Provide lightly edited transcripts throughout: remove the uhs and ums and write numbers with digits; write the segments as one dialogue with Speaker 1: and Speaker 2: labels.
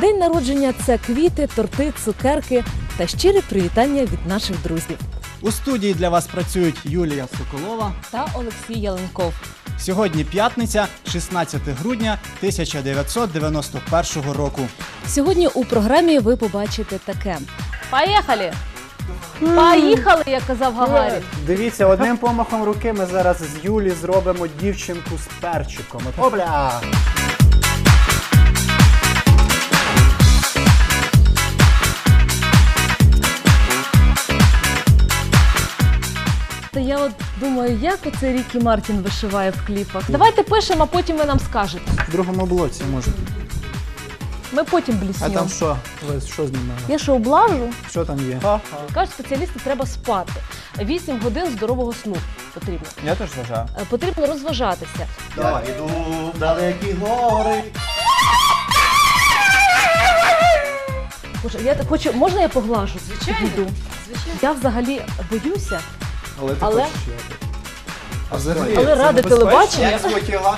Speaker 1: День народження – це квіти, торти, цукерки та щирі привітання від наших друзів.
Speaker 2: У студії для вас працюють Юлія Соколова
Speaker 1: Та Олексій Яленков.
Speaker 2: Сьогодні п'ятниця, 16 грудня 1991 року.
Speaker 1: Сьогодні у програмі ви побачите таке. Поїхали! Поїхали, як казав Гагарін.
Speaker 3: Дивіться, одним помахом руки ми зараз з Юлі зробимо дівчинку з перчиком. Опля!
Speaker 1: Я от думаю, як оце Рікі Мартін вишиває в кліпах. Давайте пишемо, а потім ви нам скажете.
Speaker 3: В другому блоці, може.
Speaker 1: Ми потім
Speaker 3: А
Speaker 1: бліснемо.
Speaker 3: там що? Ви що знімали?
Speaker 1: Я що, облажу?
Speaker 3: Що там є?
Speaker 1: Кажуть, спеціалісти, треба спати. 8 годин здорового сну потрібно.
Speaker 3: Я теж вважаю.
Speaker 1: Потрібно розважатися.
Speaker 3: Я йду в далекі гори.
Speaker 1: Боже, я так хочу, можна я поглажу?
Speaker 4: Звичайно.
Speaker 1: Піду? Я взагалі боюся,
Speaker 3: Але ти
Speaker 1: Але-
Speaker 3: хочеш як? А взагалі,
Speaker 1: але
Speaker 3: це
Speaker 1: ради
Speaker 3: небезпечно?
Speaker 1: телебачення.
Speaker 3: Як звуть його?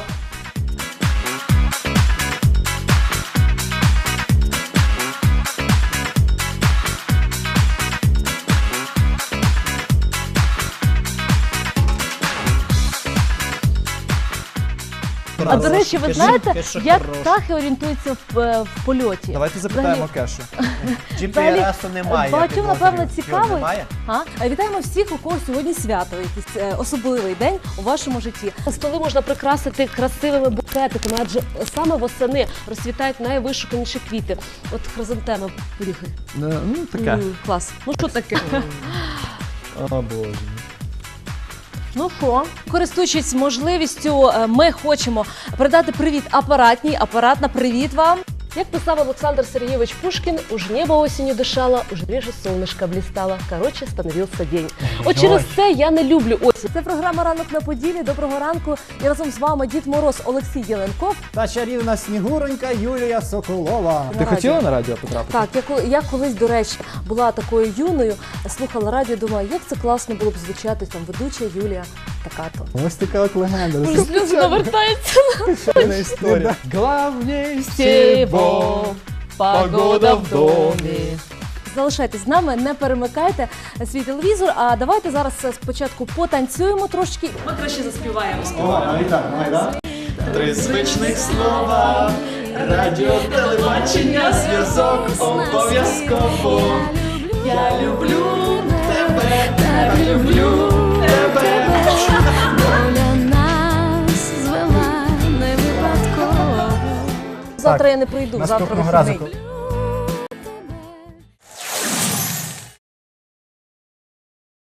Speaker 1: А до речі, ви знаєте,
Speaker 3: Кеша
Speaker 1: як
Speaker 3: хороша.
Speaker 1: птахи орієнтуються в польоті?
Speaker 3: Давайте запитаємо Кешу.
Speaker 1: GPS-у
Speaker 3: немає.
Speaker 1: Багатьом, напевно, цікаво.
Speaker 3: Немає?
Speaker 1: Вітаємо всіх, у кого сьогодні свято, якийсь особливий день у вашому житті. Столи можна прикрасити красивими букетиками, адже саме восени розцвітають найвишуканіші квіти. От хризантеми, поріхи.
Speaker 3: Ну, таке.
Speaker 1: Клас. Ну що таке?
Speaker 3: О, Боже.
Speaker 1: Ну що, користуючись можливістю, ми хочемо передати привіт апаратній. Апаратна, привіт вам! Як писав Олександр Сергійович Пушкін, уж небо осінню дишало, уж реже сонечко блістало, короче, становився день. От через це я не люблю осінь. Це програма «Ранок на Поділі». Доброго ранку. І разом з вами Дід Мороз Олексій Яленков.
Speaker 2: Та чарівна снігуронька Юлія Соколова.
Speaker 3: Ти хотіла на радіо потрапити?
Speaker 1: Так, я колись, до речі, була такою юною, слухала радіо, думаю, як це класно було б звучати, там, ведуча Юлія така-то.
Speaker 2: Ось така от легенда.
Speaker 1: Сльози навертаються.
Speaker 2: Звичайна історія.
Speaker 3: Главнее
Speaker 1: Всего погода в домі. Залишайтесь з нами, не перемикайте свій телевізор. А давайте зараз спочатку потанцюємо трошки. Ми краще заспіваємо.
Speaker 2: Давай так.
Speaker 3: Три звичних слова. Радіо, телебачення, зв'язок обов'язково. Я люблю тебе, так люблю тебе.
Speaker 5: Доля нас звела не випадково.
Speaker 1: Завтра я не прийду, завтра
Speaker 3: Наступного разу,
Speaker 1: вихідний.